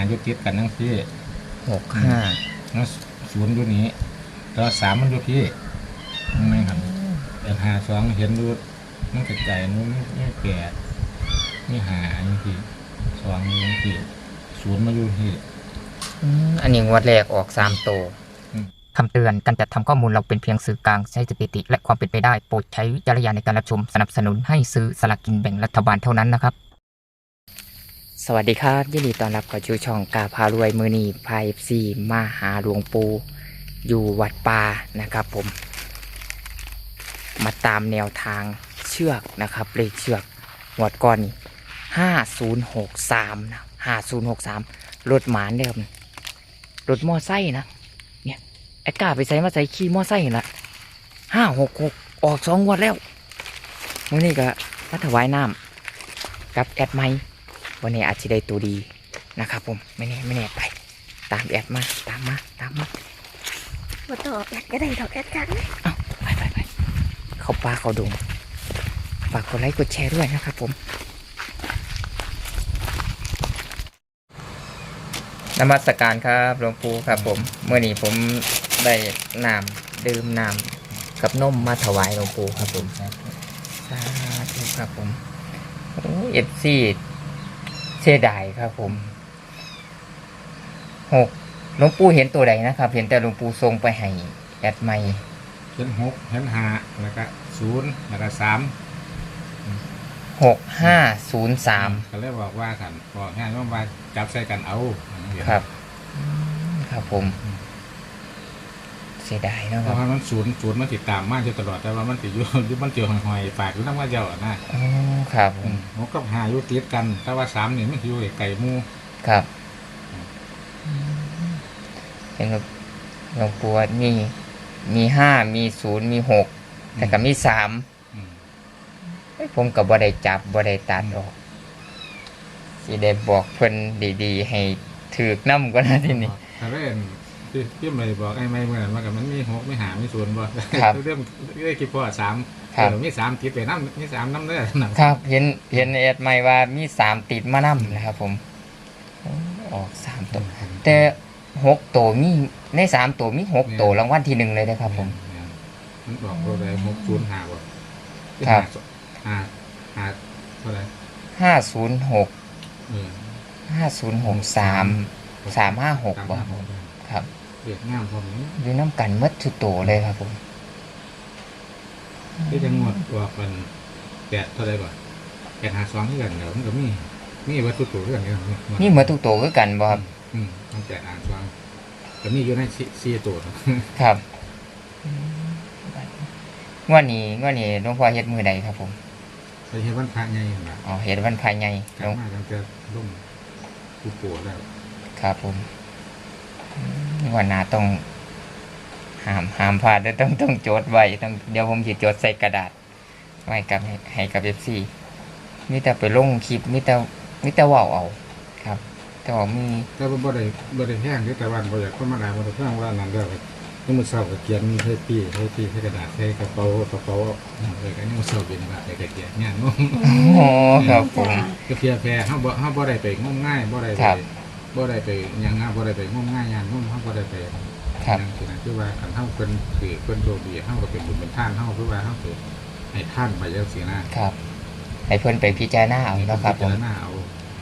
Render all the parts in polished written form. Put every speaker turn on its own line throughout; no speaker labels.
อยู่ติดกันทั้งพี่
65
แล้วศูนย์อยู่นี้แล้วสามมันอยู่พี่ไม่ครับแต่52เห็นดูมันกระจายนู้นนี่แก่นี่หาอย่างที่2อย่างที่ศูนย์มาอยู่ที่
อันนี้งวดแรกออก3ตัวคำเตือนการจัดทำข้อมูลเราเป็นเพียงสื่อกลางใช้สถิติและความเป็นไปได้โปรดใช้วิจารณญาณในการรับชมสนับสนุนให้ซื้อสลากกินแบ่งรัฐบาลเท่านั้นนะครับสวัสดีครับยินดีต้อนรับเข้าสู่ช่องกาพารวยมือนีพายซีมาหาหลวงปู่อยู่วัดป่านะครับผมมาตามแนวทางเชือกนะครับเลขเชือกงวดก่อนนี่5063นะ5063รถหมานเดิมรถมอไซค์นะเนี่ยแอดกาไปใส่มาใส่ขี่มอไซค์ละ566ออก2 งวดแล้วมื้อนี้ก็มาถวายน้ำกับแอดไมวันนี้อาจจะได้ตัวดีนะครับผมไม่แน่ไปตามแอดมาตามมา
มาต่อแอดก็ได้ดอกแอดกัน
ไปเขาป่าเขาดงฝากกดไลค์กดแชร์ด้วยนะครับผมนมัสการครับหลวงปู่ครับผมเมื่อนี้ผมได้น้ำดื่มน้ำกับนมมาถวายหลวงปู่ครับผมสาธุครับผมโอ้FCเสียดายครับผมหลวงปู่เห็นตัวใดนะครับเห็นแต่หลวงปู่ทรงไปให้แอดไมค์
เห็น6เห็น5แล้วก็0แล้วก็3
6503
ก็เลยบอกว่ากันบอกง่ายว่าจับใส่กันเอา
ครับครับผมเสียดายนะ
เพ
ครับ
ราะว่ามันศูนย์มันติดตามมาอยู่ตลอดแต่ว่ามันติดอยู่มันเจียวหอยฝากอยู่น้ำว่าเจ้านะ
อ๋อครับ
ผมก็หาอยู่ติดกันแต่ว่า3นี่มันอยู่ไก่มู
ครับเห็นแบบหลวงปู่มี5มี0มี6แต่ก็มี3ผมกับบ่ได้จับบ่ได้ตัดออกสิได้บอกเพิ่นดีๆให้ถือกน้ำก็นะที่นี่
ถ้าเล่นที่ไม่บอกไอ้ไม่เหมือนว่ากับมันมี6ไม่หาไม่0บ่เรื่องคิดพอ3แต่มี3ติดไปน้ำมี3น้ำเด้อ
ครับเห็นแอดไม่ว่ามี3ติดมาน้ำนะครับผมออก3ตัวแต่6ตัวมีใน3ตัวมี6ตัวรางวัลที่1เลยนะครับผม
มันบอกเราได้605บ่
ครับ
เท่าไหร่
506 5063 356บ่ครับ
เรียกงามพร้อมนี้
อยู่น้ำกันมัดทุกตัวเลยครับผม
ที่จะงวดว่าเป็น8เท่าไหร่บ่852ที่กันเดี๋ยวมันก็มีวัตถุตัวเรื่องนี้
นี่มัดทุกตัวคือกันบ่ครับ
มัน852ก็มีอยู่ใน4ตัว
ครับงวดนี้หลวงพ่อเฮ็ดมื้อใดครับผม
ไปเฮ็ดวันพระใหญ่นะ
อ๋อเฮ็ดวันพระใหญ่
ลงมาตั้งแต่ลุ่มผู้ป่วยแล้ว
ครับผมวันหน้าต้องห้ามพลาดต้องจดไว้เดี๋ยวผมจะจดใส่กระดาษไว้กับให้กับ FC มีแต่ไปลงคลิปมีแต่เว้าเอาครับแต่ว่ามี
แต่บ่ได้แห้งแต่ว่าบ่อยากคนมาด่าบ่ได้ฟังว่านั่นเด้อนี่มื้อเช้าก็เขียนให้พี่ให้กระดาษให้กระเป๋าเลยก็นี่มื้อเช้าเป็นว่าให้กระเขียนงานงง
อ๋อครับผม
ก็เพียแพร่เฮาบ่ได้ไปงมง่ายบ่ได้ไปหยังบ่ได้ไปงมง่ายงานงมเฮาบ่ได้ไป
ครับ
คือว่าคันเฮาเพิ่นโชคดีเฮาก็เป็นบุญเป็นทานเฮาคือว่าเฮาสิให้ท่านไปจังซี่นะครับ
ให้เพิ่นไปพิจารณาเอาเนาะครับ
พิจารณาเอา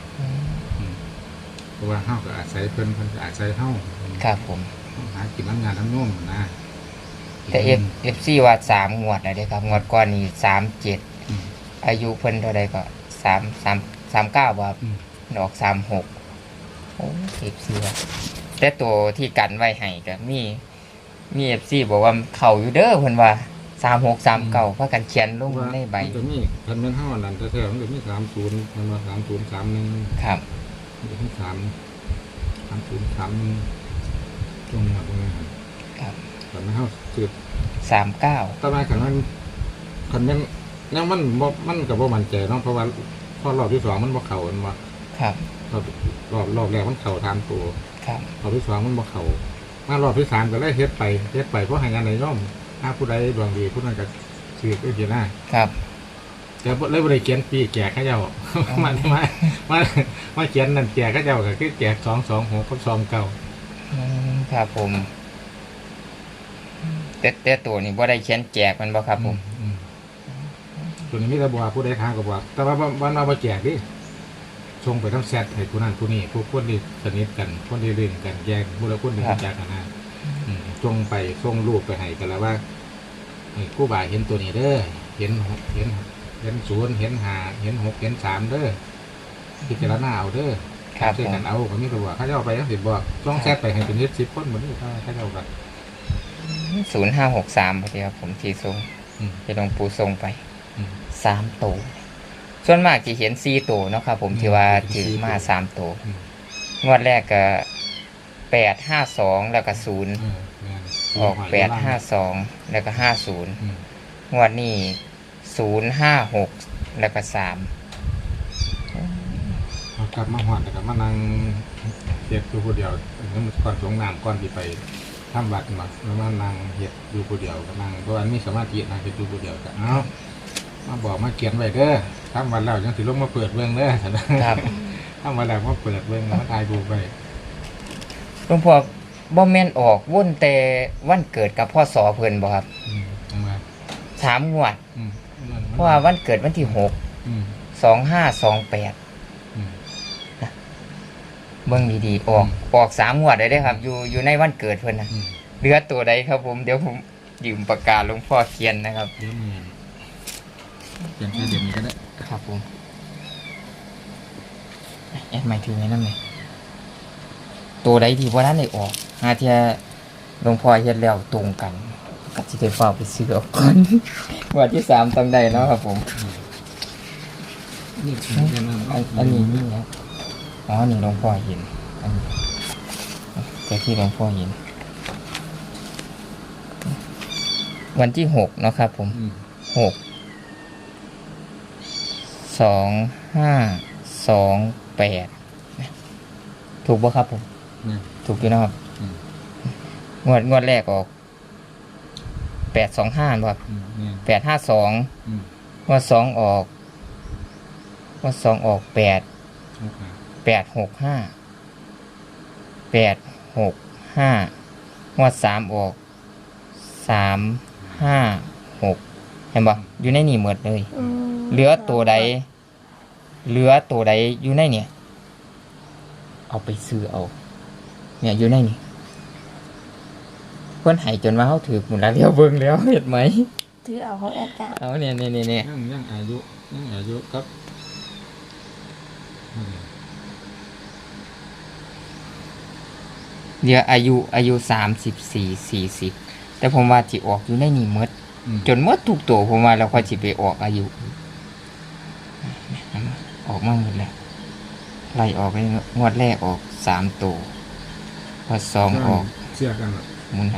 เพราะว่าเฮาก็อาศัยเพิ่นก็อาศัยเฮา
ครับผม
หากินงานทั้งโน้มนะ
แต่FC ว่า3งวดนะเด้ครับงวดก่อนนี่37อายุเพิ่นเท่าใดก็39บ่ครับดอก36โอ้FC ว่าแต่ตัวที่กันไว้ให้ก็มี FC บอกว่าเข้าอยู่เด้อเพิ่นว่า3639พากันเขียนลงในใบ
มันก็มีคันแม่นเฮานั่นแท้ๆมันก็มี30มันว่า3031
ครับ
มันมี3031ตรงนั้น
ครับ
แต่ไม่เข้าสุด
39
ทำไมขันนั้นยังมันกับว่ามันใจเนาะเพราะว่าพอรอบที่2มันบ่เข่ามันบ่
ครับ
รอบแรกมันเข่าทานตัว
ครับ
รอบที่2มันบ่เข่ามารอบที่3ก็เลยเฮ็ดไปเพราะให้งานในย่อมถ้าผู้ใดดวงดีผู้นั้นก็ถือก็เขียนหน้า
ครับ
แต่เลยบ่ได้เขียนปีแก่ข้าเจ้ามามาเขียนนั่นแจกก็เจ้าก็คือแจก226กับ29
ครับผมแต่ตัวนี้บ่ได้เขียนแจกมันบ่ครับผม
ตัวนี้มีแต่บอกผู้ใดทางก็บอกแต่ว่าวันเราบ่แจกดิส่งไปทำแชทให้ผู้นั้นผู้นี้ผู้คนที่สนิทกันคนที่เล่นกันแยกผู้ละคนที่รู้จักกันนะส่งไปส่งรูปไปให้กันแล้วว่าผู้บ่ายเห็นตัวนี้เด้อเห็น0เห็น5เห็น6เห็น3เด้อพิจารณาเอาเด้อ
ครับ
ช่วย
ผม
กันเอาก็มีตัวเขาจะเอาไปทั้ง10บอกต้องแชทไปให้เป็น10คนหมดนี่เขาจะเอากัน
0563พอดีครับผมที่ส่ง ที่หลวงปู่ส่งไป
อืม
3ตัวส่วนมากจะเห็น4ตัวเนาะครับผมที่ว่าถือมา3ตัวงวดแรกก็852แล้วก็0ออก852แล้วก็50งวดนี้056แล้วก็3
กลับมาหอดแต่กลับมานั่งเฮ็ดอยู่ผู้เดียวนั่นก่อนสงน้ำก่อนที่ไปทำวัดมาแล้วมานั่งเฮ็ดอยู่ผู้เดียวก็นั่งเพราะว่ามีสมาธินั่งเฮ็ดอยู่ผู้เดียวก็เอามาบอกมาเขียนไว้เด้อทำวันแล้วยังสิลงมาเปิดเบิ่งเด้อ
ครับ
ทำวันแล้วมาเปิดเบิ่งมาถ่ายรูปไว้
หลวงพ่อบ่แม่นออกวนแต่วันเกิดกับพ่อสอเพิ่นบ่ครับ
จังว่า
3 งวด
อืม
เพราะว่าวันเกิดวันที่
อืม
6 2528
อืม
เบิ่งดีๆออก3 งวดได้เด้อครับ อยู่ในวันเกิดเพิ่นน่ะ
อืม
เหลือตัวใดครับผมเดี๋ยวผมยืมปากกาหลวงพ่อเขียนนะครับ
เดี๋ยวมีเขียนแค่เดี๋ยวนี้ก็ได้
ครับผมแอดใหม่ถือไว้นั่นเลยตัวใดที่ว่าท่านได้ออกหาเทียหลวงพ่อเฮ็ดแล้วตรงกันก็สิได้ฝากไปซื้อเอาก่อน วันที่3ต้องได้เนาะครับผม
นี่
อันนี้นี่ครับอ๋อนี่หลวงพ่อเห็นอันนี้แต่ที่หลวงพ่อเห็นวันที่6เนาะครับผม
อืม
6 2528ถูกป่ะครับผม
นี่
ถูกอยู่นะครับ
อืม
งวดแรกออก825ครับ
นี่
852
อืม
งวด2ออกงวด2ออก8 865 865งวด3ออก356เห็นป่ะอยู่ในนี่หมดเลย เหลือตัวใดอยู่ในเนี่ยเอาไปซื้อเอา เนี่ยอยู่ในนี่เพื่อนใหายจนว่าเขาถือหมุนแล้วเรียวเบิ่งแล้วเห็นไหม
ถือเอาของแอดจ้ะ
เอาเนี่ย
ยังอายุครับ
เดี๋ยวอายุ34-40แต่ผมว่าจิออกอยู่ในนี่หมดจนหมดทุกตัวผมว่าเราค่อยจิไปออกอายุออกมาหมดแล้วไล่ออกไปงวดแรกออก3ตัวพอ2ออก
เชื่อกัน
หมุนเอา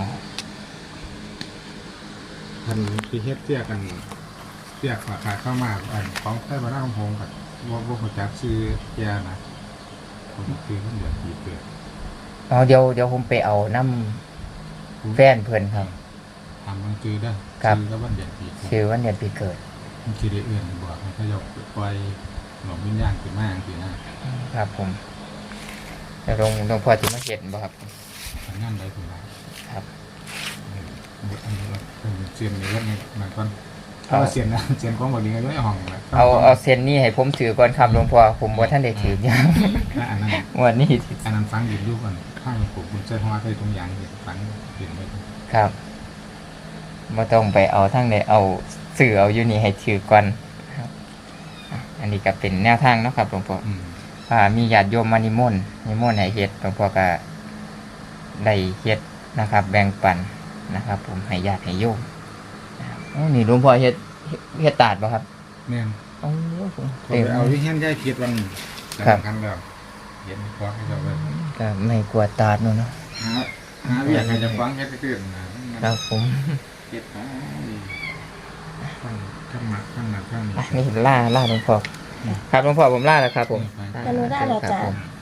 พันที่เฮ็ดเชื่อกันเชื่อขาเข้ามาของใต้บ้านของผมกับว่าหัวจักซื้อแย่นะผมคือมันเดือดปีเกิด
เอาเดี๋ยวผมไปเอาน้ำแฟนเพื่อนครับ
ทำมันคือได้
ครับ
ซื้อแล้วมันเดือดปีเกิด
ชื่อวันเดือนปีเกิด
มันคือได้เอื่นบอกให้เขายกปล่อยหลงวิญญาณขึ้นมาสินะครับ
ผมแล้วหลวงพ่อที่มาเห็นบ่ครับ
ทำงานได้ถึงแล้ว
ครับ
อันนี้เราเสียนในเรื่องนี้มันก็ถ้าเสียนนะเสียนของบดีก็ไม่ห้องนะ
เอาเซนนี่ให้ผมถือก่อนครับหลวงพ่อผมว่าท่านได้ถือยัง
อันนั้น
วันนี้
อันนั้นฟังดินรูปกันข้างผมคุณใช้หัวใช้ตรงยางเห็นฟังดินไว้
ครับไม่ต้องไปเอาทั้งใดเอาสื่อเอาอยู่นี่ให้ถือก่อนครับอันนี้ก็เป็นแนวทางเนาะครับหลวงพ่อมีญาติโยมมานิมนต์ให้เฮ็ดหลวงพ่อก็ได้เฮ็ดนะครับ แบ่งปันนะครับ ผมให้ญาติให้โยมนะครับนี่หลวงพ่อเฮ็ดตาดบ่ครับ
เนี่ย
โอ้ผม
ผมไปเอาที่เฮี้ยนย่ายเพียรวันสำคัญแล้วเห็นฟ้องให้เราเลย
ก็ไม่กลัวตาดเนาะ
หาอยากให้จะฟ้องให้ได้ตื่นนะครับ
ผม
เก็บข้างหนักข้างนี้
นี่ล่าหลวงพ่อครับหลวงพ่อผมล่าแล้วครับผม
อนุญาตเรา
ครับ
จ้ะ
ผม